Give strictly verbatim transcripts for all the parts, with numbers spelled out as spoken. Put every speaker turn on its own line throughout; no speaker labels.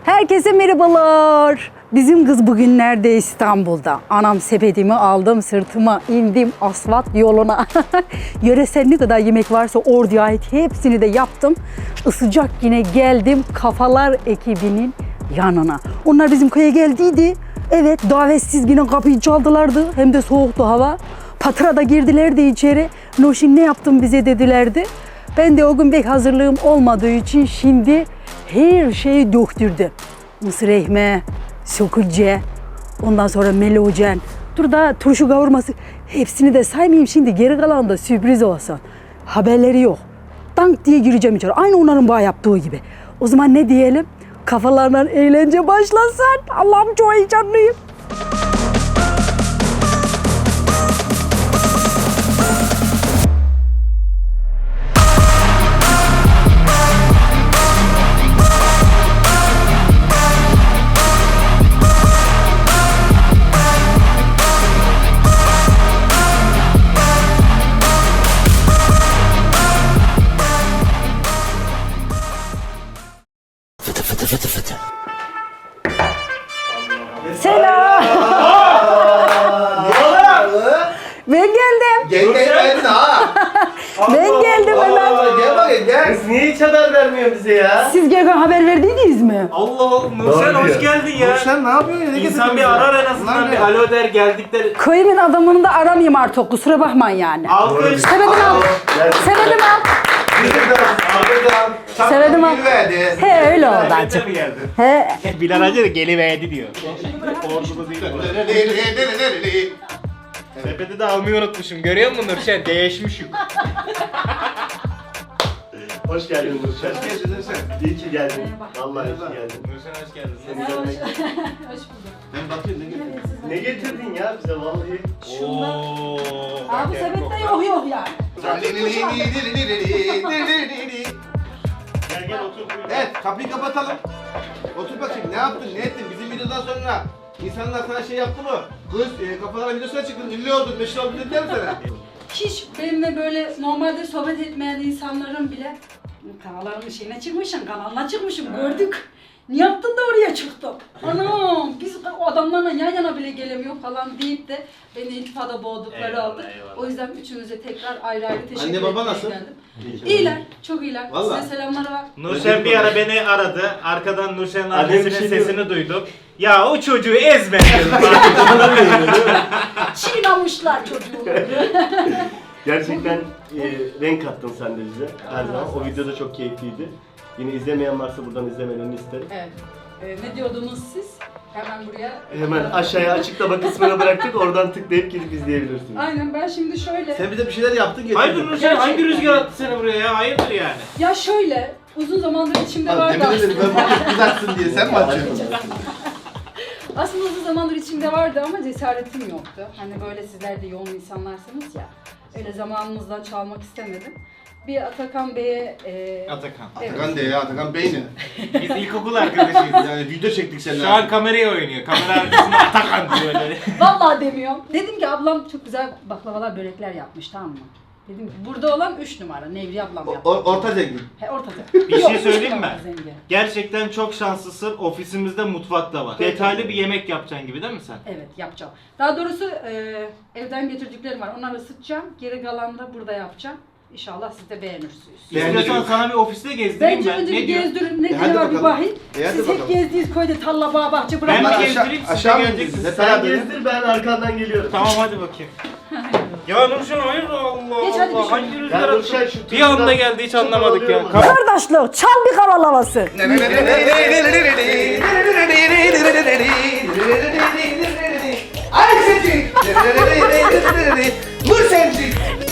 Herkese merhabalar. Bizim kız bugünlerde İstanbul'da. Anam sepetimi aldım, sırtıma indim asfalt yoluna. Yöresel ne kadar yemek varsa orduya ait hepsini de yaptım. Isıcak yine geldim Kafalar ekibinin yanına. Onlar bizim köye geldiydi. Evet, davetsiz yine kapıyı çaldılardı. Hem de soğuktu hava. Patrada girdilerdi içeri. Noşin ne yaptın bize dedilerdi. Ben de o gün pek hazırlığım olmadığı için şimdi her şeyi döktürdüm. Mısır ekmeği, sökülce, ondan sonra melojen, dur da turşu kavurması. Hepsini de saymayayım şimdi, geri kalan da sürpriz olsun. Haberleri yok. Dank diye gireceğim içeri. Aynı onların bağ yaptığı gibi. O zaman ne diyelim? Kafalarından eğlence başlasın. Allah'ım çok heyecanlıyım. Selam. Ben geldim.
Gel gel geldin ha.
Ben geldim hemen.
Gel bakayım gel.
Kız niye hiç haber vermiyor bize ya?
Siz gelirken haber verdiydiniz mi?
Allah Allah, Nurşen hoş geldin ya.
Sen ne yapıyorsun ya? Ne
İnsan
getirdin
bir
bize?
arar en azından,
Lan
bir
ne?
alo der, geldikleri.
Köyümün adamını da aramayayım artık, kusura bakmayın yani.
Alkış.
Sevedim al. Sevedim al. Sevedim al.
Verdi.
He öyle oldu acık.
mi geldi?
He.
Bilal Hacı da geliverdi diyor. Orduda değil. Sepeti de almayı unutmuşum. Görüyor musun Nurşen? Değişmiş yük.
Hoş geldin Nurşen.
Hoş geldin sen.
İyi ki geldin. Vallahi iyi ki geldin.
Nurşen hoş geldin.
Seni görmek.
Ben bakıyorum ne getirdin?
Ne getirdin ya bize vallahi?
Ooo.
Abi sepette yok yok yani.
Gel gel otur. buyur.
Evet kapıyı kapatalım. Otur bakayım ne yaptın ne ettin bizim videodan sonra insanlar sana şey yaptı mı? Kız e, kafalara videosuna çıktın ünlü oldun meşhur oldun dediler mi sana?
Hiç benimle böyle normalde sohbet etmeyen insanların bile kanallarının şeyine çıkmışım, kanalına çıkmışım gördük. Ne yaptın da oraya çıktın? Anam biz o adamlarla yan yana bile gelemiyor falan deyip de beni iltifada boğdukları
Eyvallah,
oldu.
eyvallah.
O yüzden üçünüze tekrar ayrı ayrı teşekkür
Anne, baba
etmeye
nasıl?
geldim.
İyi ki
İyiler, çok iyiler.
Vallahi.
Size selamları var.
Nurşen bir ara beni aradı. Arkadan Nurşen'in
Annem bir
annesinin
şey
sesini duydum. Ya o çocuğu ezme dedim.
Çiğnamışlar çocuğu.
Gerçekten e, renk kattın sen de bize her zaman. O video da çok keyifliydi. Yine izlemeyen varsa buradan izlemelerini isterim.
Evet. Ee, ne diyordunuz siz? Hemen buraya.
Hemen aşağıya açıklama kısmına bıraktık. Oradan tıklayıp gidip izleyebilirsiniz.
Aynen, ben şimdi şöyle.
Sen bize bir şeyler yaptın getirdin.
Hayırdır Nurşen, hangi rüzgar attı seni buraya ya? Hayırdır yani?
Ya şöyle, uzun zamandır içimde
Lan
vardı
demin dedim
aslında.
ben bakayım kızarsın diye sen mi açıyorsun?
Aslında uzun zamandır içimde vardı ama cesaretim yoktu. Hani böyle sizler de yoğun insanlarsınız ya. Öyle zamanınızdan çalmak istemedim. Bir Atakan Bey'e... E,
Atakan.
evet.
Atakan de ya Atakan beyni.
Biz ilkokul arkadaşıyız.
Yani video çektik seninle.
Şu an kameraya oynuyor. Kamera arkasında Atakan diyor böyle.
Vallahi demiyorum. Dedim ki ablam çok güzel baklavalar, börekler yapmış, tamam mı? Dedim ki burada olan üç numara. Nevriye ablam yaptı.
O- orta zengin.
He, ortada.
Bir
Yok,
şey
üç
söyleyeyim
numara
mi?
zengin.
Gerçekten çok şanslısın. Ofisimizde mutfak da var. Detaylı bir yemek yapacaksın gibi değil mi sen?
Evet, yapacağım. Daha doğrusu e, evden getirdiklerim var. Onları ısıtacağım. Geri kalanı da burada yapacağım. İnşallah siz de beğenirsiniz.
Beğendim.
İstiyorsan sana bir ofiste gezdireyim
Bence
ben.
önce
Ne
bir
diyor?
gezdirin. Ne
E, hadi
diyor var bir
bakalım.
bakayım.
E, hadi
Siz hep
bakalım.
gezdiğiniz köyde tarla, bağ, bahçe
Ben
bırakmayın.
mi
Aşağı-
gezdireyim, siz de
aşağı mı
geleceksiniz.
gidiyoruz?
Sen
Beraber.
gezdir, ben arkandan geliyorum.
Tamam hadi bakayım. Ya Nurşen hayır Allah
Geç hadi
Allah.
bir şey.
Hangi rüzgar
Ya
attı?
Nurşen şu
Bir anda
tuzdan
geldi hiç
çok
anlamadık ya.
alıyor mu?
Kap-
Kardeşlik, çal bir kaval havası.
Ayşecik. Nurşencik.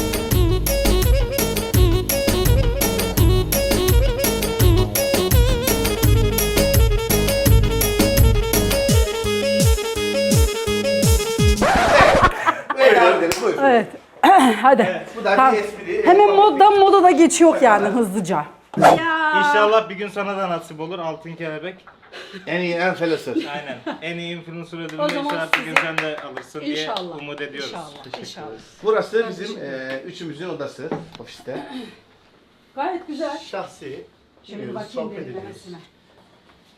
Buyurun.
Evet. Hadi.
Bu da
Tamam.
bir espri.
Hemen moddan moda da geçiyor yani hızlıca. Ya.
İnşallah bir gün sana da nasip olur altın kelebek.
En iyi influencer.
Aynen. En iyi influencer
O
ödülünü
zaman
inşallah bir gün
sizi-
sen de alırsın diye
İnşallah.
umut ediyoruz.
İnşallah. İnşallah.
Burası bizim e, üçümüzün odası ofiste.
Gayet güzel.
Şahsi.
Şimdi
Giriyoruz,
bakayım
sohbet ediyoruz.
derinlemesine.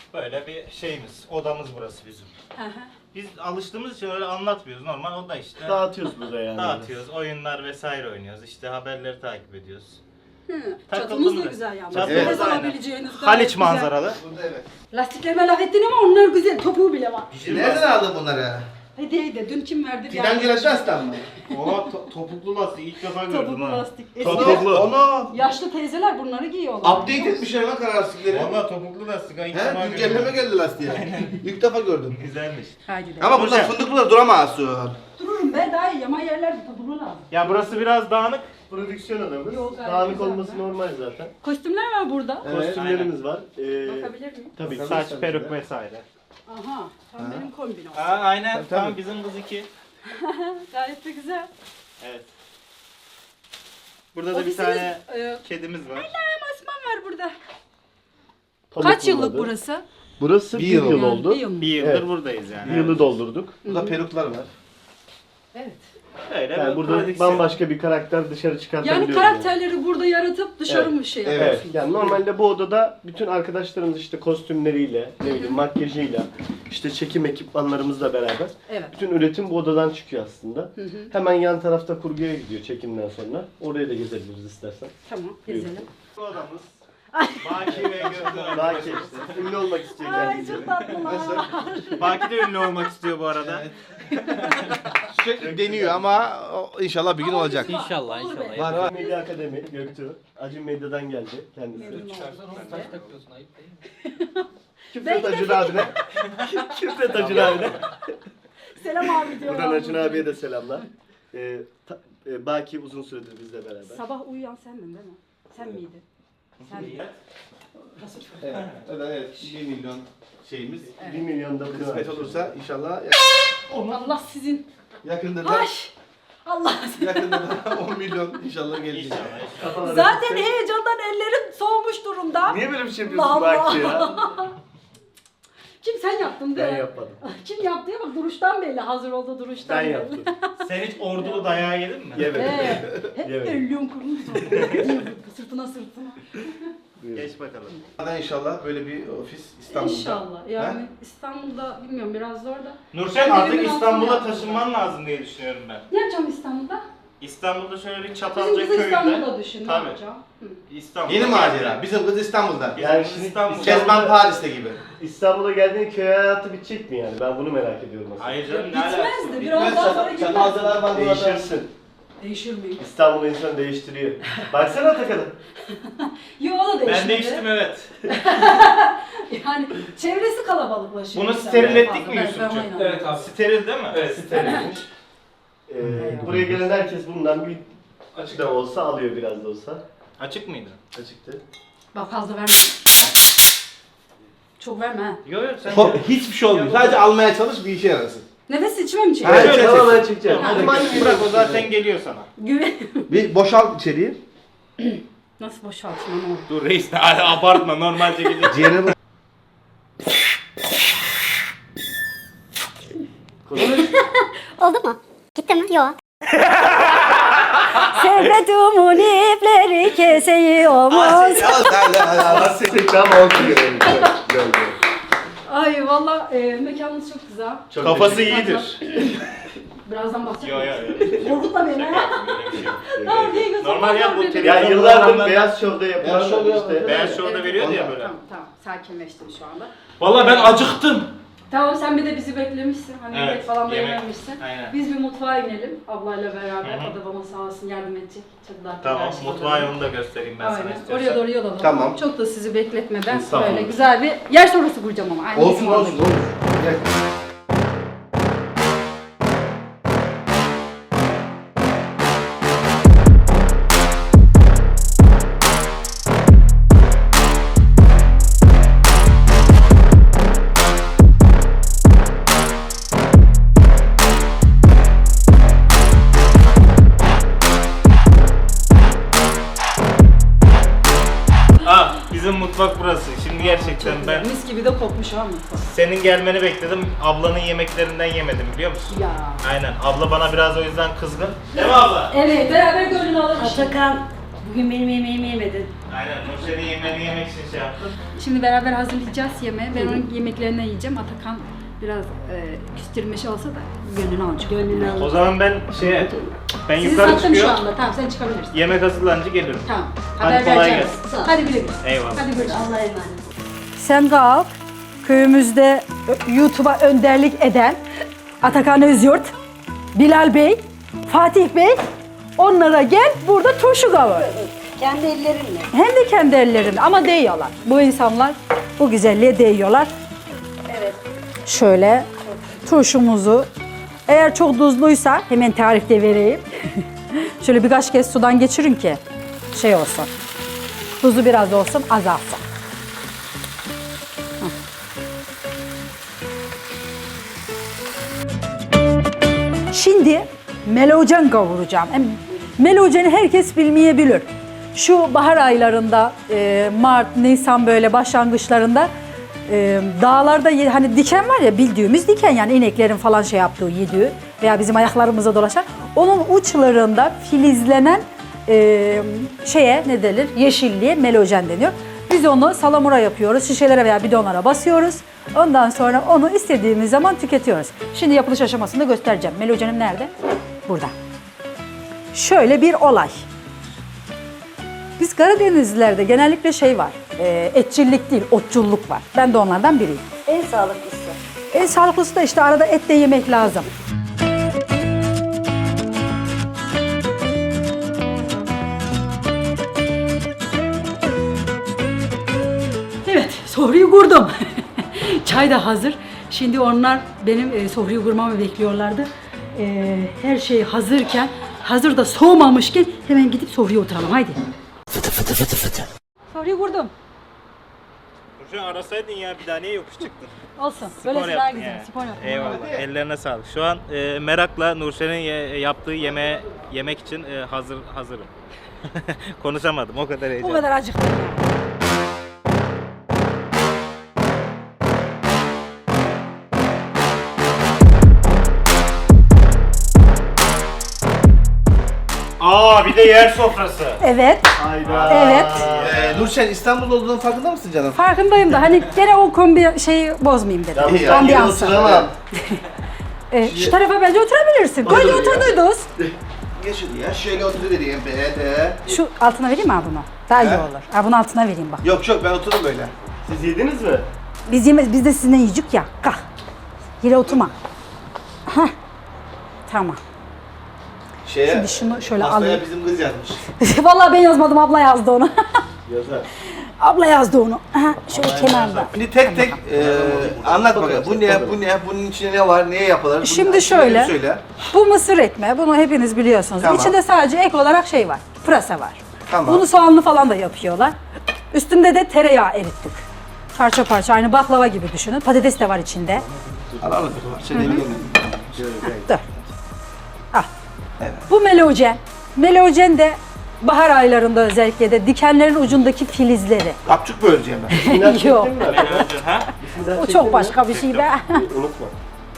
Böyle bir şeyimiz, odamız burası bizim. Biz alıştığımız için öyle anlatmıyoruz. Normal oda işte.
Dağıtıyoruz burada yani.
Dağıtıyoruz, oyunlar vesaire oynuyoruz. İşte haberleri takip ediyoruz.
Çatımız
Takıldım
da
da.
güzel yalnız.
Çatımız
Nefes
aynen.
alabileceğiniz gayet
Haliç
güzel.
manzaralı.
Burada evet.
Lastiklerime laf ettin ama onlar güzel. Topuğu bile var.
Nereden aldın bunları?
Hediyeydi. Dün kim verdi? Bir
Fidan
arkadaş.
Güneş'ten mı?
Oha to- topuklu lastik ilk defa gördüm
Topuklu
ha.
lastik. Eski
Topuklu.
Onu
yaşlı teyzeler bunları giyiyorlar.
update etmişler lan kara lastikleri.
Valla topuklu lastik ha ilk defa
He,
gördüm.
güncelleme geldi lastiğe. İlk defa gördüm.
Güzelmiş.
Hadi de.
Ama bunlar fındıklılar duramazsın.
Dururum be daha iyi. Yama yerlerde topuklu lazım.
Ya burası biraz dağınık.
Prodüksiyon adamız.
Yok, gayet
Dağınık
güzel.
olması normal zaten.
Kostümler var burada.
Evet.
Kostümlerimiz var. Ee,
Bakabilir miyim?
tabii
Tabii.
Saç,
tabii
peruk
de.
vesaire.
Aha. Tam benim kombin olsun.
Aa, aynen.
Tabii,
Tam
tabii.
bizim kız iki.
Gayet de güzel.
Evet. Burada da bir
Ofisimiz,
tane
e,
kedimiz var.
Osman var burada.
pamuk
Kaç yıllık
bunladı.
burası?
Burası
Bir
bir,
yıl
yıl,
Yani
oldu.
bir yıl mı?
Bir yıldır
Evet.
buradayız yani.
Bir yılı doldurduk.
Burada peruklar var.
Evet.
Öyle
Yani
bir
burada
prodüksiyon.
bambaşka bir karakter dışarı çıkartabiliyoruz.
Yani karakterleri burada yaratıp dışarı
Evet.
mı şey
Evet.
Evet.
yapıyorsunuz?
Yani normalde bu odada bütün arkadaşlarımız işte kostümleriyle, ne bileyim makyajıyla, işte çekim ekipmanlarımızla beraber
Evet.
bütün üretim bu odadan çıkıyor aslında. Hemen yan tarafta kurguya gidiyor çekimden sonra. Oraya da gezebiliriz istersen.
Tamam. Gezelim.
Bu odamız. Baki ve Gökhan.
Baki işte. Ünlü olmak istiyor
Ay
kendisi.
çok tatlılar.
Baki de ünlü olmak istiyor bu arada.
Sürekli deniyor ama o inşallah bir gün olacak.
İnşallah
Olur be.
inşallah.
Var var.
Medya Akademi Göktuğ. Acun Medya'dan geldi kendisi.
Memnun oldum.
Saç takıyorsun ayıp değil mi?
Küfret Acun abine. Küfret Acun abine.
Selam abi diyorlar.
Buradan Acun abiye de selamlar. Ee, ta- e, Baki uzun süredir bizle beraber.
Sabah uyuyan sendin değil mi? Sen miydin? Sen miydin? Nasıl çok?
Evet. Evet. bir milyon şeyimiz.
bir milyon da bunu
Kısmet olursa inşallah
Allah sizin.
yakında da
Ay! Allah sizin.
yakında da on milyon inşallah gelecek.
İnşallah.
Kafalara
Zaten
gitse-
heyecandan ellerim soğumuş durumda.
Niye böyle bir şey yapıyorsun
Allah Allah.
Baki ya?
Kim sen yaptın değil
Ben
mi?
yapmadım.
Kim yaptı ya bak duruştan belli. Hazır oldu duruştan
Ben
belli.
yaptım.
Sen hiç ordulu dayağı yedin mi?
Yemedim.
Ee, hep
Evet.
elliyorum kurmuş. Sırtına sırtına.
Geç bakalım.
Hadi inşallah böyle bir ofis İstanbul'da.
İnşallah. Yani İstanbul'da bilmiyorum biraz zor da.
Nurşen
Ben
artık
evimin
İstanbul'a
altına
taşınman lazım diye düşünüyorum ben.
Ne yapacağım İstanbul'da?
İstanbul'da şöyle bir
Bizim
Çatalca
kızı
köyünde.
İstanbul'da düşün. Ne
Tabii.
yapacağım? Hı.
İstanbul.
Yeni macera. Bizim kız İstanbul'da.
Yani
Yani
şimdi
İstanbul.
Kezban Paris'te gibi.
İstanbul'a geldiğin köy hayatı bitecek mi yani? Ben bunu merak ediyorum aslında.
Hayır canım ne alakası?
Bitmez de biraz daha sonra gitmez.
Çatalcalar var burada.
Değişirsin.
Değişir miyim?
İstanbul insanı değiştiriyor. Baksana Atakan'a.
Yo o da değişmedi.
Ben değiştim evet.
Yani çevresi kalabalıklaşıyor.
Bunu
İnsanlar
steril ettik
fazla.
mi
Ben- ben
Yusuf'cum?
oynamam.
Evet abi.
Steril değil mi?
Evet.
Sterilmiş. Ee, buraya gelen herkes bundan bir açık da olsa alıyor biraz da olsa.
Açık mıydı?
Açıktı.
Bak fazla verme. Çok verme ha.
Yok yok sen
Ko- Hiçbir şey olmuyor. Sadece almaya çalış bir işe yarasın.
Nefes içime mi çekiyor?
Evet,
Evet,
evet.
tamamen çıkacak.
Ha,
Hadi
tamam.
bırak o zaten geliyor sana.
Güven.
Bir boşalt içeriği.
Nasıl boşaltayım onu?
Dur reis de abartma normalce gelecek.
Ciğerini
Oldu mu? Gitti mi? Yok.
Sepetumun ipleri keseyiyormuş.
Tekrar oldu görelim. Güzel, güzel.
Ay valla e, mekanınız çok güzel.
Çok
Kafası
teşekkür
iyidir.
Birazdan bahsedeyim.
Yok yok yok.
Korkutma beni ha. Tamam diye göz
Normal ya bu
beni.
televizyon
Ya yıllardır
programlarında-
Beyaz Show'da
Beyaz
yapılan
Show'da
işte.
yapılan-
Beyaz Show'da veriyordu ya böyle.
Tamam tamam sakinleştim şu anda.
Vallahi ben acıktım.
Tamam sen bir de bizi beklemişsin. Hani
Evet,
yemek falan da
yemek.
yememişsin.
Aynen.
Biz bir mutfağa inelim ablayla beraber.
Hı hı.
O da bana sağ olsun yardım edecek. Çok daha
Tamam
karşıladı.
mutfağı onu da göstereyim ben sana
Aynen.
istiyorsan.
Oraya doğru yol alalım.
Tamam.
Çok da sizi bekletmeden
Estağfurullah.
böyle güzel bir yer sonrası kuracağım ama. Aynı
olsun
bizim
olsun
oradaki.
olsun. Gel.
Ah bizim mutfak burası. Şimdi gerçekten
Çok güzel.
ben
Mis gibi de kokmuş ha mutfak.
senin gelmeni bekledim. Ablanın yemeklerinden yemedim biliyor musun?
Ya.
Aynen. Abla bana biraz o yüzden kızgın. Değil mi abla?
Evet beraber gönlünü alalım.
Atakan
Bugün benim yemeğimi yemedin.
Aynen, Nurşen'in yemeğini yemek için şey yaptım.
Şimdi beraber hazırlayacağız yemeği. Ben onun yemeklerinden yiyeceğim. Atakan biraz e, küstürmüş olsa da gönlünü alacak. Gönlünü
O zaman ben şeye, ben
Sizi
yukarı
sattım şu
çıkıyorum.
anda. Tamam sen çıkabilirsin.
Yemek hazırlanınca gelirim.
Tamam.
Hadi
Haber
kolay
vereceğim.
gelsin.
Hadi güle güle.
Eyvallah.
Hadi görüşürüz. Allah'a emanet. Sen kalk. Köyümüzde YouTube'a önderlik eden Atakan Özyurt, Bilal Bey, Fatih Bey, onlara gel burada turşu kavur.
Kendi ellerimle.
Hem de kendi ellerinde ama değiyorlar. Bu insanlar bu güzelliğe değiyorlar.
Evet.
Şöyle turşumuzu, eğer çok tuzluysa hemen tarifte vereyim. Şöyle birkaç kez sudan geçirin ki şey olsun. Tuzu biraz olsun, azalsın. Hah. Şimdi melojen kavuracağım. Hem melojeni herkes bilmeyebilir. Şu bahar aylarında, e, Mart, Nisan böyle başlangıçlarında e, dağlarda ye- hani diken var ya, bildiğimiz diken, yani ineklerin falan şey yaptığı, yediği veya bizim ayaklarımıza dolaşan, onun uçlarında filizlenen e, şeye ne denir? Yeşilliğe melojen deniyor. Biz onu salamura yapıyoruz, şişelere veya bidonlara basıyoruz. Ondan sonra onu istediğimiz zaman tüketiyoruz. Şimdi yapılış aşamasını göstereceğim. Melojenim nerede? Burada. Şöyle bir olay. Biz Karadenizlilerde genellikle şey var, e, etçillik değil, otçulluk var. Ben de onlardan biriyim.
En sağlıklısı.
En sağlıklısı da işte arada et de yemek lazım. Evet, sofrayı kurdum. Çay da hazır. Şimdi onlar benim e, sofrayı kurmamı bekliyorlardı. E, her şey hazırken, hazır da soğumamışken hemen gidip sofraya oturalım. Haydi. Fıtı fıtı fıtı fıtı. Sofrayı kurdum.
Nurşen arasaydın ya, bir daha niye yokuş çıktın?
Olsun.
Spor
Böylesi daha
yaptın
güzel.
yani.
Spor yaptım.
Eyvallah. Ellerine sağlık. Şu an e, merakla Nurşen'in ye- yaptığı yemeğe yemek için e, hazır hazırım. Konuşamadım, o kadar
Bu
heyecan.
kadar acıktım ya.
Aa, bir de yer sofrası.
Evet.
Hayda.
Evet.
Ee, Nurşen İstanbul'da olduğunun farkında mısın canım?
Farkındayım da hani gene o kombi şeyi bozmayayım dedim.
Yalnız ben yine
Ambiyansı.
oturamam.
Ee, şu tarafa bence oturabilirsin. Böyle
Olur ya.
oturduydunuz.
Geç şuraya, şöyle oturuvereyim be de.
Şu altına vereyim mi abi bunu? Daha iyi
He?
olur. Ha, bunu altına vereyim bak.
Yok yok, ben otururum böyle.
Siz yediniz mi?
Biz yemez, biz de sizinle yiyecek ya. Kalk. Yere oturma. Hah. Tamam.
Şeye,
Şimdi şunu şöyle
pastaya
alayım.
bizim kız yazmış.
Vallahi ben yazmadım, abla yazdı onu.
Yazar.
Abla yazdı onu. Aha, şöyle kenarda.
Şimdi tek tek e, anlat bakalım. Bu ne, bu ne, bunun içinde ne var, neye yapılır? Bunun
Şimdi
isimlerini
şöyle.
Söyle.
Bu mısır ekmeği, bunu hepiniz biliyorsunuz.
Tamam.
İçinde sadece ek olarak şey var, pırasa var.
Tamam.
Bunu soğanlı falan da yapıyorlar. Üstünde de tereyağı erittik. Parça parça, aynı baklava gibi düşünün. Patates de var içinde.
Al al. Şey diyebilir miyim?
Dur. Al. Bu melojen. Melojen de bahar aylarında özellikle de dikenlerin ucundaki filizleri.
Kapçuk böleceğim ben.
İsminden çektin
Yok.
mi?
Nurşen, ha?
İsminden
O
çektin
çok
mi?
başka bir şey be.
Unutma.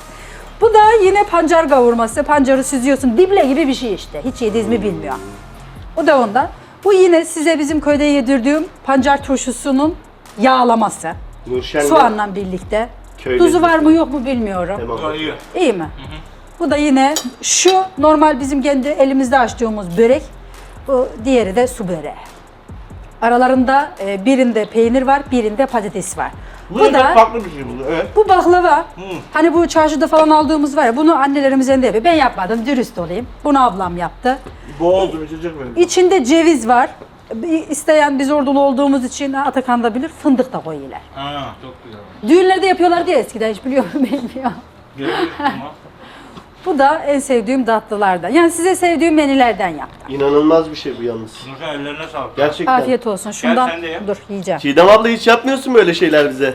Bu da yine pancar kavurması. Pancarı süzüyorsun. Dible gibi bir şey işte. Hiç yediğiniz mi bilmiyorum. O da ondan. Bu yine size bizim köyde yedirdiğim pancar turşusunun yağlaması.
Nurşen'le
Soğanla birlikte.
köy
Tuzu var
lezzeti.
mı yok mu bilmiyorum.
Tamam.
İyi.
İyi mi? Bu da yine şu normal bizim kendi elimizde açtığımız börek. Bu diğeri de su böreği. Aralarında e, birinde peynir var, birinde patates var.
Bu,
Bu
da
da
farklı bir şey bu. Evet.
bu baklava. Hani bu çarşıda falan aldığımız var ya, bunu annelerimiz elinde yapıyor. Ben yapmadım, dürüst olayım. Bunu ablam yaptı.
Boğazım içecek benim.
İçinde ceviz var. Bir İsteyen, biz ordulu olduğumuz için Atakan da bilir, fındık da koyuyorlar.
Ha, çok güzel.
Düğünlerde yapıyorlar diye eskiden, hiç biliyor musun bilmiyorum.
Görüyorsun ama.
Bu da en sevdiğim tatlılardan. Yani size sevdiğim menülerden yaptım.
İnanılmaz bir şey bu yalnız.
Nurşen, ellerine sağlık.
Gerçekten.
Afiyet olsun. Şundan
sen de ye.
dur yiyeceğim.
Çiğdem abla hiç yapmıyorsun böyle şeyler bize.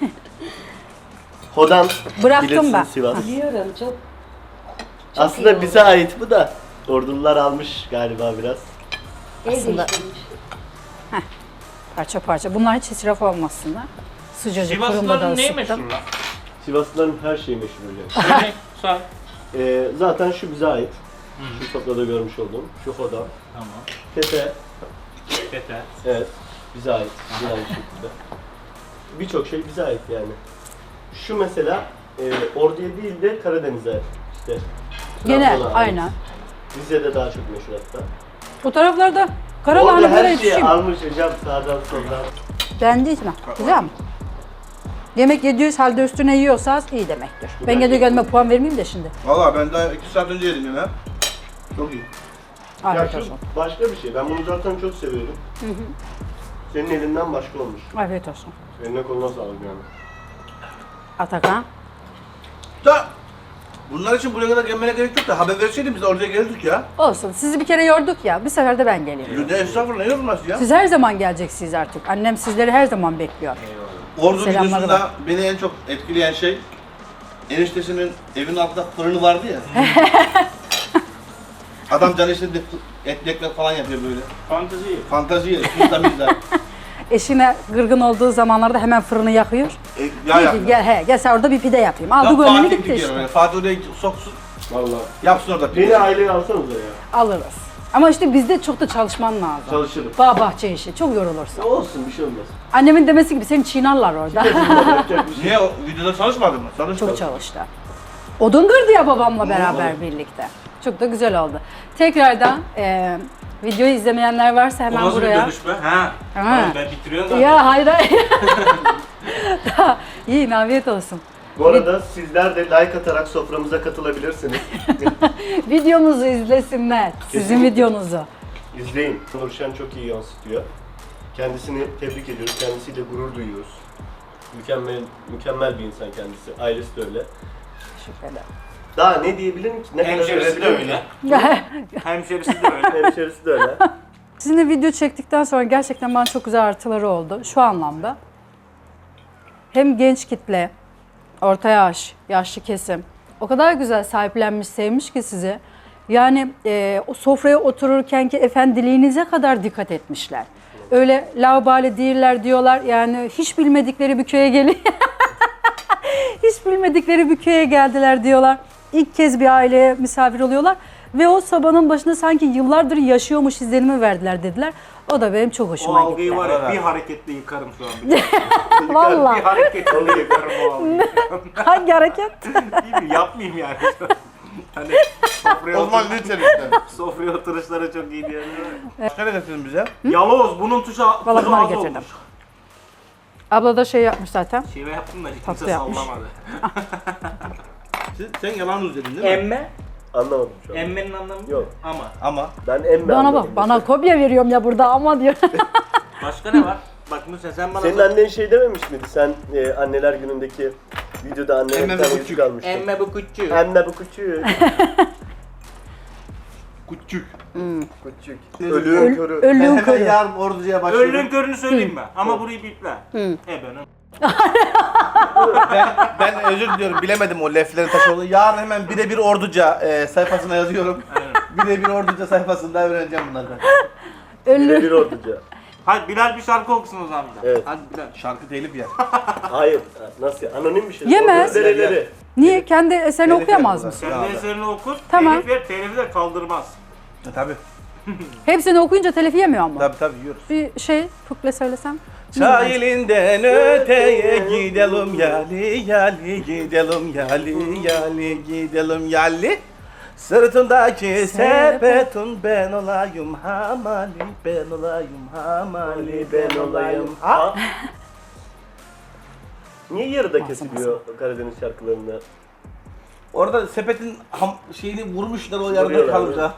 Hodan.
Bıraktım
bilirsin
ben.
Sivas.
Biliyorum çok.
Aslında bize ait bu da. Ordulular almış galiba biraz.
El
Aslında-
değiştirmiş.
Parça parça. Bunlar hiç israf olmasınlar. Sıcacık fırında da
Sivaslıların neyi
ısıttım.
meşhur lan?
Sivaslıların her şeyi meşhur hocam.
Yemek, sağ.
Ee, zaten şu bize ait. Şu sofrada görmüş olduğum. Şu hodan.
Tamam.
Tepe.
çete.
Evet. Bize ait. Bize ait şekilde. Birçok şey bize ait yani. Şu mesela e, Ordu'ya değil de Karadeniz'e ait. İşte
Gene
Trabzon'a ait.
aynen.
Rize'de daha çok meşhur hatta.
O taraflarda
Orada
karalahana böyle
her şeyi
yetişiyor.
almış hocam sağdan soldan.
Beğendiniz mi? Güzel mi? Yemek yediğiniz halde üstüne yiyorsanız iyi demektir. Ben kendi kendime puan vermeyeyim de şimdi.
Valla ben daha iki saat önce yedim yemeği. Çok iyi.
Ya
Afiyet
şu
olsun.
başka bir şey. Ben bunu zaten çok seviyorum. Senin elinden başka olmuş.
Afiyet olsun.
Eline koluna sağlık yani.
Atakan.
Da bunlar için buraya kadar gelmene gerek yok da haber verseydin biz oraya gelirdik ya.
Olsun. Sizi bir kere yorduk ya. Bir sefer de ben geleyim.
Yüzde estağfurullah ne yorulmaz ya.
Siz her zaman geleceksiniz artık. Annem sizleri her zaman bekliyor.
Ordu
Selamlar
videosunda beni en çok etkileyen şey eniştesinin evin altında fırını vardı ya. Adam can işte etli ekmek falan yapıyor böyle.
Fantezi.
Fantazi yer, pizza mizza.
Eşine gırgın olduğu zamanlarda hemen fırını yakıyor.
E, ya
Diyor
ya.
ki gel he gel sen orada bir pide yapayım. Aldı
Ya
gönlünü
Fatih
gitti
gidiyor
işte.
oraya. Fatih oraya soksun,
Vallahi.
yapsın orada pide.
Beni aileye alsanıza ya.
Alırız. Ama işte bizde çok da çalışman lazım.
Çalışırım.
Bağ bahçe işi. Çok yorulursun.
Olsun bir şey olmaz.
Annemin demesi gibi seni çiğnarlar orada.
Yapacak bir şey.
Niye o videoda çalışmadın mı? Çalışmadın.
Çok çalıştı. Odun kırdı ya babamla beraber birlikte. Çok da güzel oldu. Tekrardan e, videoyu izlemeyenler varsa hemen
O nasıl
buraya.
bir dönüş be? Ha.
Ha.
Oğlum ben bitiriyorum zaten.
Ya hayır hayır. Daha iyi, afiyet olsun.
Bu arada sizler de like atarak soframıza katılabilirsiniz.
Videomuzu izlesinler. Sizin
Kesinlikle.
videonuzu.
İzleyin. Nurşen çok iyi yansıtıyor. Kendisini tebrik ediyoruz. Kendisiyle gurur duyuyoruz. Mükemmel mükemmel bir insan kendisi. Ailesi de öyle.
Teşekkür ederim.
Daha ne diyebilirim ki? Ne kadar
Hemşerisi de
övebilirim
öyle.
ki?
Hemşerisi de öyle.
Hemşerisi de öyle.
Sizinle video çektikten sonra gerçekten bana çok güzel artıları oldu. Şu anlamda. Hem genç kitle, orta yaş, yaşlı kesim o kadar güzel sahiplenmiş, sevmiş ki sizi. Yani e, o sofraya otururken ki efendiliğinize kadar dikkat etmişler. Öyle laubali değiller diyorlar. Yani hiç bilmedikleri bir köye geliyor. Hiç bilmedikleri bir köye geldiler diyorlar. İlk kez bir aileye misafir oluyorlar. Ve o sobanın başında sanki yıllardır yaşıyormuş izlenimi verdiler dediler. O da benim çok
O
hoşuma
algıyı
gitti.
var ya bir hareketle yıkarım şu an. Bir, bir
Vallahi.
hareketle yıkarım o algıyı.
Hangi hareket?
Değil mi? Yapmayayım yani. Hani sofraya,
O zaman
otur-
lütfen lütfen.
sofraya oturuşları çok iyi diyor.
Başka ne getirdin bize?
Yaloz bunun tuşu,
Vallahi
tuzu
bunları
az
getirdim.
olmuş.
Abla da şey yapmış zaten.
Şive yaptım da hiç
Tatlı
kimse
yapmış.
sallamadı.
Siz, sen yalan uzedin değil mi?
Emme?
Anlamadım şu an.
Emmenin anlamı
Yok.
Ama.
Ama
Ben emme
Bana
anladım
bak, bana
mesela.
kopya veriyorum ya burada ama diyor.
Başka ne var? Bak Nursen sen bana...
Senin annen şey dememiş miydi? Sen e, anneler günündeki videoda annene
Emme
bir tane
bu
yüzük
küçük.
almıştın.
Emme bu küçüğü.
Emme bu küçük.
küçük.
Küçük.
Öl-
Ölüğün körü.
Ben
Ölüğün
hemen
körü.
yarın orduya başlıyorum.
Öldüğün körünü söyleyeyim mi? Ama burayı biple. E benim.
ben, ben özür diliyorum bilemedim o leflerin taşı olduğunu. Yarın hemen birebir orduca e, sayfasına yazıyorum. Birebir orduca sayfasında öğreneceğim bunları ben.
Bire bir orduca.
Hadi Bilal bir şarkı okusun o zaman.
Evet.
Hadi Bilal şarkı telif ya.
Hayır. Nasıl? Anonim bir şey.
Yemez.
Ordu dereleri.
Niye? Kendi eserini
Telif
okuyamaz
yapıyorlar.
mısın?
Kendi
Abi.
eserini okur,
Tamam.
telif ver, telifi de kaldırmaz.
E, tabii.
Hepsini okuyunca telif yemiyor ama.
Tabii tabii yiyoruz.
Bir şey kukle söylesem.
Sahilinden öteye gidelim yali yali gidelim yali yali gidelim yali. Sırtındaki sepetin ben olayım hamali ben olayım hamali ben olayım ha.
Niye yarıda kesiliyor Karadeniz şarkılarında?
Orada sepetin ham, şeyini vurmuşlar o yarıda
Vuruyorlar,
kalmış ha.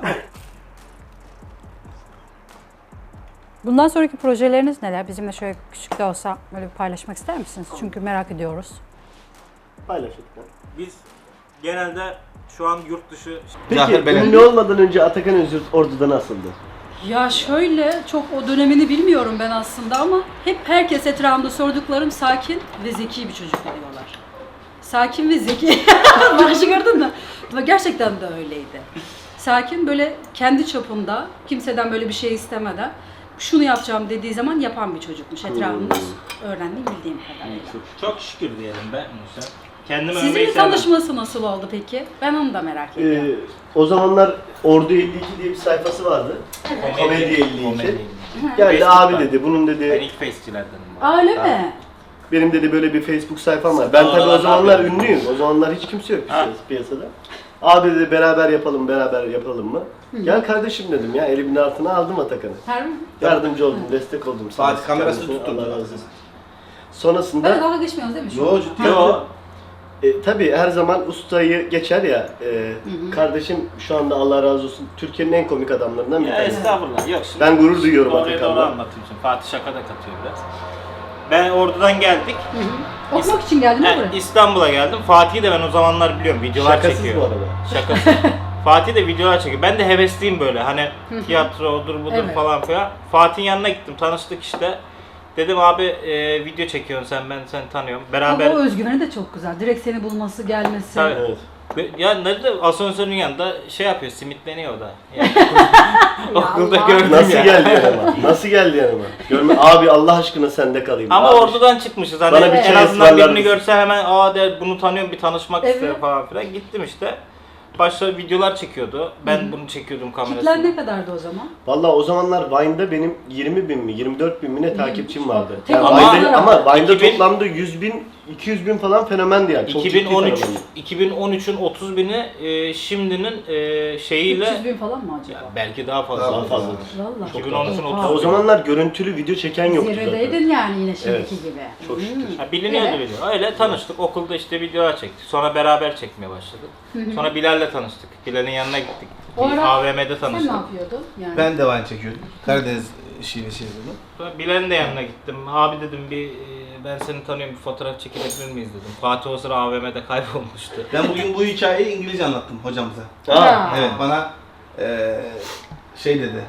Bundan sonraki projeleriniz neler? Bizimle şöyle küçük de olsa böyle bir paylaşmak ister misiniz? Çünkü merak ediyoruz.
Paylaşın.
Biz genelde şu an yurt dışı...
Peki
Zahir Belen.
ünlü olmadan önce Atakan Özgür Ordu'da nasıldı?
Ya şöyle, çok o dönemini bilmiyorum ben aslında ama hep herkes etrafımda sorduklarım sakin ve zeki bir çocuk diyorlar. Sakin ve zeki. Başı gördün mü? Ama gerçekten de öyleydi. Sakin, böyle kendi çapında, kimseden böyle bir şey istemeden şunu yapacağım dediği zaman yapan bir çocukmuş etrafımda. Öğrendiğim, bildiğim kadarıyla.
Çok şükür diyelim be Nursen. Kendimi övmeyi
Sizinle
sevmem.
tanışması nasıl oldu peki? Ben onu da merak ediyorum.
Ee, o zamanlar Ordu elli iki diye bir sayfası vardı. Komedi elli iki.
Komedi.
Geldi
Facebook'ta.
abi dedi, bunun
Ben
dedi,
ilk face'çilerdenim.
Öyle mi?
benim dedi böyle bir Facebook sayfam var. Ben
Aa,
tabii o
ne
zamanlar
yapıyorsun?
ünlüyüm. O zamanlar hiç kimse yok
Ha.
piyasada. Abi dedi beraber yapalım, beraber yapalım mı? Gel kardeşim dedim ya, elimin altına aldım Atakan'ı.
Harbi mi?
Yardımcı oldum, destek oldum. Sağ
Fatih
olsun
kamerasını
kendisine,
tutturdu.
Allah razı olsun.
Böyle
Sonrasında
dalga geçmiyoruz değil mi şu
Yo,
an?
ciddi.
Yo, e, tabii her zaman ustayı geçer ya. E, kardeşim şu anda Allah razı olsun Türkiye'nin en komik adamlarından bir
Ya
tanesi.
estağfurullah. Yok şimdi.
Ben gurur duyuyorum
Doğruya doğru
Atakan'la.
anlatayım şimdi. Fatih şaka da katıyor biraz. Ben Ordu'dan geldik.
Okumak için geldin mi
Yani
buraya?
İstanbul'a geldim. Fatih'i de ben o zamanlar biliyorum. Videolar
Şakasız
çekiyor.
bu arada.
Şakasız. Fatih de videolar çekiyor. Ben de hevesliyim böyle. Hani tiyatro odur budur
Evet.
falan filan. Fatih'in yanına gittim. Tanıştık işte. Dedim abi e, video çekiyorsun sen, ben seni tanıyorum. Beraber...
Ama o özgüveni de çok güzel. Direkt seni bulması, gelmesi.
Tabii.
Evet.
Ve- Ya nerede asansörün yanında şey yapıyor, simitleniyor o da. Yani, okulda
Allah.
gördüm
Nasıl
ya.
geldi yanıma? Nasıl geldi yanıma? Görme abi Allah aşkına sende kalayım.
Ama
Abi,
Ordu'dan çıkmışız. Hani
Bana bir
en
çay
azından
ısmarlar
birini
mısın?
görse hemen aa der bunu tanıyorum, bir tanışmak
Evet.
isterim falan filan. Gittim işte. Başta videolar çekiyordu. Ben bunu çekiyordum
Kitler
kamerasını.
ne kadardı o zaman?
Vallahi o zamanlar Vine'da benim yirmi bin mi yirmi dört bin mi ne takipçim vardı.
Tek
Yani
ama-
Vine'da, ama Vine'da
iki bin
toplamda yüz bin iki yüz bin falan fenomendi yani. Çok ciddi
iki bin on üç
fenomendi.
iki bin on üçün otuz bini e, şimdinin e, şeyiyle
üç yüz bin falan mı acaba?
ya belki daha fazla.
Daha fazla.
Vallahi.
iki bin on üçün
Oha.
Ya o
otuz.
zamanlar görüntülü video çeken yoktu zaten.
Zirvedeydin yani yine şimdiki
Evet.
gibi.
Çok şükür.
Hmm.
Ha, biliniyordu
Evet.
video. Öyle tanıştık. Okulda işte videolar çektik. Sonra beraber çekmeye başladık. Sonra Bilal'le tanıştık. Bilal'in yanına gittik.
O
Bir
ara
A V M'de
Sen
tanıştık.
ne yapıyordun? Yani.
Ben de wine çekiyordum. Karadeniz şive çeviriyordum.
Sonra Bilal'in de yanına gittim. Abi dedim bir e, ben seni tanıyorum, bir fotoğraf çekilebilir miyiz dedim. Fatih o sıra A V M'de kaybolmuştu.
Ben bugün bu hikayeyi İngilizce anlattım hocamıza.
Ha.
Evet bana eee şey dedi.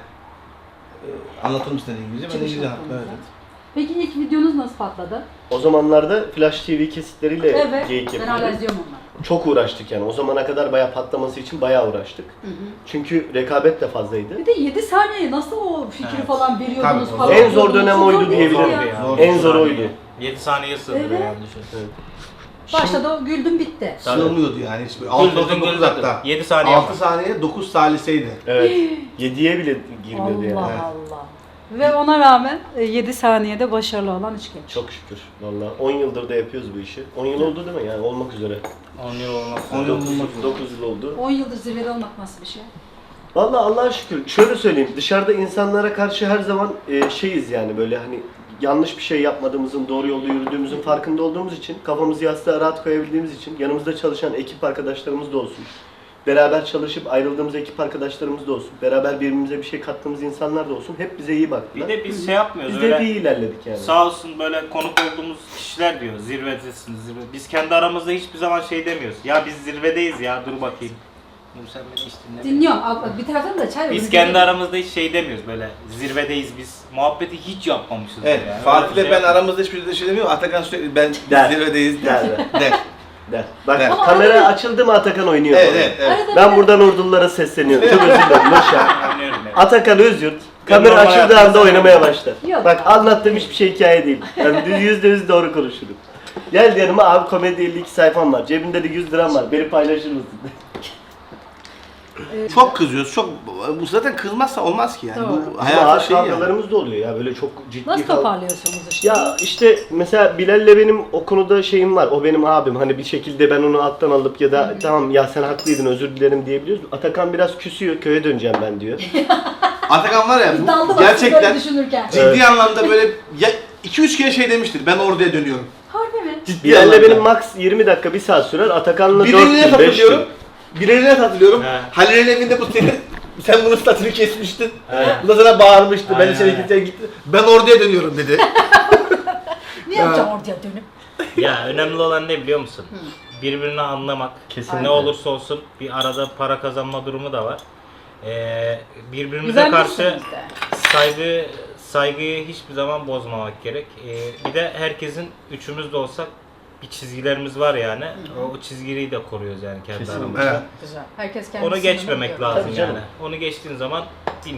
Eee anlatır mısın dedi İngilizce. Ben de
Çıkış
İngilizce anlattım.
noktamızda.
Evet.
Peki ilk videonuz nasıl patladı?
O zamanlarda Flash T V kesitleriyle
Evet.
geyik
Ben hala
yapıyorduk.
izliyorum onları.
Çok uğraştık yani. O zamana kadar bayağı patlaması için bayağı uğraştık. Çünkü rekabet de fazlaydı.
Bir de yedi saniye nasıl o fikri
Evet.
falan veriyordunuz
Tabii,
falan.
en zor dönem oydu
Zor
diyebilirim.
ya.
ya.
Zor.
En zor oydu.
yedi saniye sığdırıyor
Evet.
yani düşün.
Başta da güldüm bitti.
Sığmıyordu yani. Hiç böyle altı
Güldürdün,
dokuz
güldürdün.
hatta.
yedi saniye
altı
var.
saniye dokuz saliseydi.
Evet. yediye bile girmiyordu
Allah
yani.
Allah. Ve ona rağmen yedi saniyede başarılı olan üç genç.
Çok şükür. Vallahi on yıldır da yapıyoruz bu işi. on yıl oldu değil mi? Yani olmak üzere.
on yıl olmaz.
on yıl bulmak üzere.
dokuz yıl oldu.
on yıldır zirvede olmak nasıl bir şey?
Vallahi Allah'a şükür. Şöyle söyleyeyim. Dışarıda insanlara karşı her zaman e, şeyiz yani böyle hani yanlış bir şey yapmadığımızın, doğru yolda yürüdüğümüzün farkında olduğumuz için, kafamızı yastığa rahat koyabildiğimiz için yanımızda çalışan ekip arkadaşlarımız da olsun. Beraber çalışıp ayrıldığımız ekip arkadaşlarımız da olsun. Beraber birbirimize bir şey kattığımız insanlar da olsun. Hep bize iyi
Bir
baktılar.
de biz şey yapmıyoruz.
Biz de
öyle
hep iyi ilerledik yani.
Sağ olsun böyle konuk olduğumuz kişiler diyor zirvedesiniz zirve. Biz kendi aramızda hiçbir zaman şey demiyoruz. Ya biz zirvedeyiz ya dur bakayım. Dur sen beni hiç dinle.
Dinliyorum. Al- Bir taraftan da çay
Biz
önümüzde-
kendi aramızda hiç şey demiyoruz böyle zirvedeyiz biz. Muhabbeti hiç yapmamışız.
Evet.
yani. Öyle
Fatih'le
bir şey
ben
yok.
aramızda hiçbir şey demiyor. Atakan sürekli ben
Der.
zirvedeyiz
Der.
der. der.
Der. Bak
Der.
Ama
kamera
arada-
açıldı mı Atakan oynuyor.
Evet
böyle.
evet evet.
Arada
Ben
bir de-
buradan Ordululara sesleniyorum. Çok özür dilerim. Nurşen.
Anlıyorum yani.
Atakan Özyurt
Ben
kamera
normal
açıldığı
hayatımda
anda oynamaya başlar.
Yok.
Bak anlattığım hiçbir şey hikaye değil. Yani düz yüzde yüz doğru konuşurum. Gel yanıma abi komedi elli iki sayfam var. Cebimde de yüz liram var. Beni paylaşır mısın?
Çok kızıyoruz. Çok bu zaten kızmazsa olmaz ki yani.
Doğru.
Bu
Ama
hayatın
ağır
şeyi yani.
kavgalarımız da oluyor ya böyle çok ciddi
Nasıl
kav-
toparlıyorsunuz işte?
Ya işte mesela Bilal'le benim o konuda şeyim var. O benim abim. Hani bir şekilde ben onu alttan alıp ya da tamam ya sen haklıydın özür dilerim diyebiliyoruz. Atakan biraz küsüyor. Köye döneceğim ben diyor.
Atakan var ya
Biz daldı
bu
bastık
gerçekten
böyle düşünürken.
ciddi
Evet.
anlamda böyle ya iki üç kere şey demiştir. Ben orduya dönüyorum.
Harbi mi?
Ciddi
Bilal'le
anlamda.
benim max yirmi dakika bir saat sürer. Atakan'la dört
Birine
gün beş
hatırlıyorum.
gün.
Birine hatırlıyorum.
He.
Halil'in evinde bu senin sen bunun statünü kesmiştin.
He.
Bu da sana bağırmıştı. Ben
Aynen,
içeri
aynen.
gittim gitti. Ben orduya dönüyorum dedi.
Ne yapacağım oraya dönüp?
Ya önemli olan ne biliyor musun? Birbirini anlamak.
Kesinlikle.
Ne olursa olsun bir arada para kazanma durumu da var. Ee, birbirimize
Güzel
karşı
misiniz de?
saygı saygıyı hiçbir zaman bozmamak gerek. Ee, bir de herkesin üçümüz de olsak bir çizgilerimiz var yani. O, o çizgiyi de koruyoruz yani kendi
Kesinlikle.
aramızda.
Evet.
Güzel. Herkes kendi
Onu
sınırını
geçmemek
biliyor.
lazım
Tabii canım.
yani. Onu geçtiğin zaman bilmiyorum.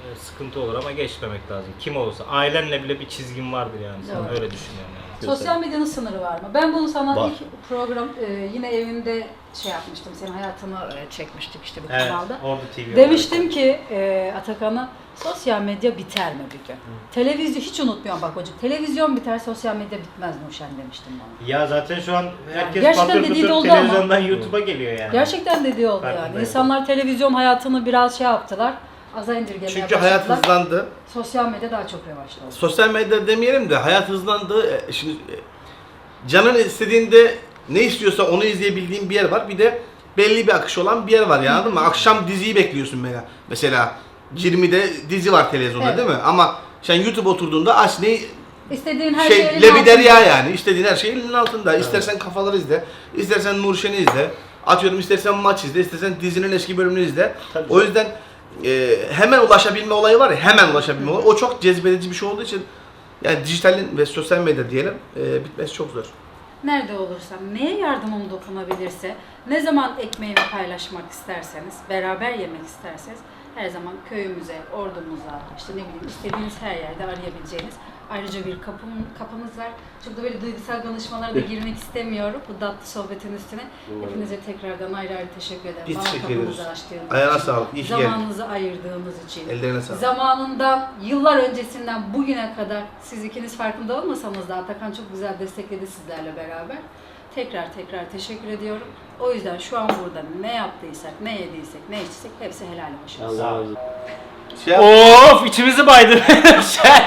e, sıkıntı olur ama geçmemek lazım. Kim olursa. Ailenle bile bir çizgin vardır yani. Sen
Doğru.
öyle düşünüyorum yani.
Sosyal medyanın sınırı var mı? Ben bunu sana
Var.
ilk program e, yine evimde şey yapmıştım. Senin hayatını e, çekmiştik işte bu
Evet,
kanalda.
Ordu T V.
Demiştim ki e, Atakan'a sosyal medya biter mi bir gün? Televizyon hiç unutmuyorum bak hocam. Televizyon biter, sosyal medya bitmez Nurşen demiştim bana.
Ya zaten şu an herkes
Gerçekten
patır
dediği de
patır
oldu ama.
televizyondan YouTube'a geliyor yani.
Gerçekten dediği oldu yani.
Farkındayım.
İnsanlar televizyon hayatını biraz şey yaptılar. Aza indirgemeye
Çünkü hayat
başladılar.
hızlandı.
Sosyal medya daha çok revaçladı.
Sosyal medya demeyelim de hayat hızlandı. E, Şimdi e, canın istediğinde ne istiyorsa onu izleyebildiğin bir yer var. Bir de belli bir akış olan bir yer var ya, anladın mı? Akşam diziyi bekliyorsun mesela. Mesela yirmide dizi var televizyonda,
Evet.
değil mi? Ama sen YouTube oturduğunda aç ne
İstediğin her şey,
şey
elin
lebiderya
altında.
yani. İstediğin her şey elinin altında. İstersen kafaları izle, istersen Nurşen'i izle. Atıyorum istersen maç izle, istersen dizinin eski bölümünü izle.
Tabii
O yüzden e, hemen ulaşabilme olayı var ya, hemen ulaşabilme olayı. O çok cezbedici bir şey olduğu için yani dijitalin ve sosyal medya diyelim e, bitmesi çok zor.
Nerede olursam, neye yardımım dokunabilirse, ne zaman ekmeğimi paylaşmak isterseniz, beraber yemek isterseniz her zaman köyümüze, ordumuza, işte ne bileyim istediğiniz her yerde arayabileceğiniz ayrıca bir kapım, kapımız var. Çok da böyle duygusal konuşmalara da girmek istemiyorum bu tatlı sohbetin üstüne. Hepinize tekrardan ayrı ayrı teşekkür ederim.
Biz
Bana
teşekkür
kapınızı
ederiz.
açtığınız
Ayağına
için,
sağlık, iyi ki geldin.
zamanınızı ayırdığınız için.
Ellerine sağlık.
Zamanından, yıllar öncesinden bugüne kadar siz ikiniz farkında olmasanız da Atakan çok güzel destekledi sizlerle beraber. Tekrar tekrar teşekkür ediyorum. O yüzden şu an burada ne yaptıysak, ne yediysek, ne içtiysek hepsi helal hoş olsun.
Allah razı olsun.
Şey yap-
Of, içimizi baydın sen.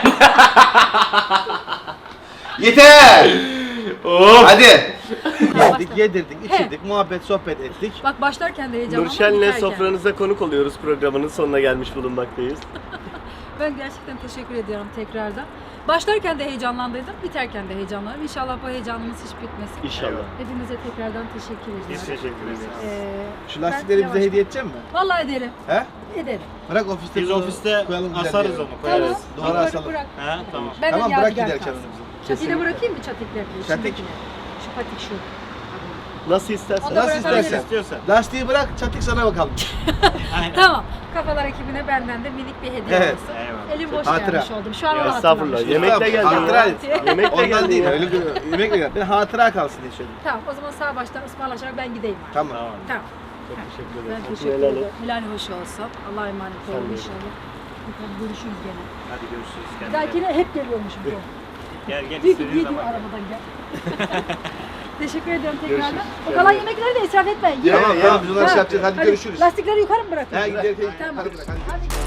Yeter!
Of.
Hadi! Yedik, yedirdik, içirdik, muhabbet, sohbet ettik.
Bak başlarken de heyecanlandım.
Nurşen'le
biterken.
sofranıza konuk oluyoruz, programının sonuna gelmiş bulunmaktayız.
Ben gerçekten teşekkür ediyorum tekrardan. Başlarken de heyecanlandıydım, biterken de heyecanlandım. İnşallah bu heyecanımız hiç bitmesin.
İnşallah.
Hepinize tekrardan teşekkür ediyorum.
Biz teşekkür ederiz.
Ee,
Şu
ben
lastikleri bize
yavaş-
hediye edecek misin?
Vallahi ederim.
He?
Ederim.
Bırak ofiste
Biz
bunu
ofiste
koyalım, güzel
asarız
bir yere.
onu, koyarız.
Duvara
Bırak,
asalım.
bırak.
Ha, tamam.
Ben
Tamam,
de
bırak
yadigar
giderken
kalsın.
onu bize.
Çatiği de bırakayım mı çatikleri?
Çatik.
İçindekini. Şu patik şu.
Nasıl istersen.
O da
Nasıl
bırakabilirim.
istersen.
İstiyorsan.
Lastiği bırak, çatik sana bakalım.
Tamam. Kafalar ekibine benden de minik bir hediye
Evet.
olsun.
Eyvallah.
Elim boş
Hatıra.
gelmiş oldum. Şu an
Ya,
onu
Estağfurullah.
hatırlamışım.
Yemekle geldin.
Hatıra.
ya. Yemekle
Ondan
geldin
değil,
ya.
öyle bir- yemek yiyor. Ben hatıra kalsın diye söyledim.
Tamam o zaman sağ baştan ısmarlaşarak ben gideyim. artık.
Tamam.
Tamam.
Tamam.
Çok teşekkür
Ben
ederim.
teşekkür
helal
ederim.
et.
Helal hoş olsun. Allah'a emanet
Sen
olun
de.
inşallah. Bakalım görüşürüz gene.
Hadi görüşürüz.
Bir
Kendine.
dahakine hep geliyormuşum. Gel
Gel gel
gel.
istediğin zaman.
arabadan gel. Teşekkür ediyorum tekrardan.
Görüşürüz.
O kalan yemekleri de israf etmeyin. Yiyin.
Tamam,
Ye,
tamam,
ye.
biz onları
Ha,
şey yapacağız. Hadi görüşürüz.
Lastikleri yukarı mı bırakıyorsun?
Ha, gidelim.
Tamam.
Hadi bırak, hadi.
Hadi.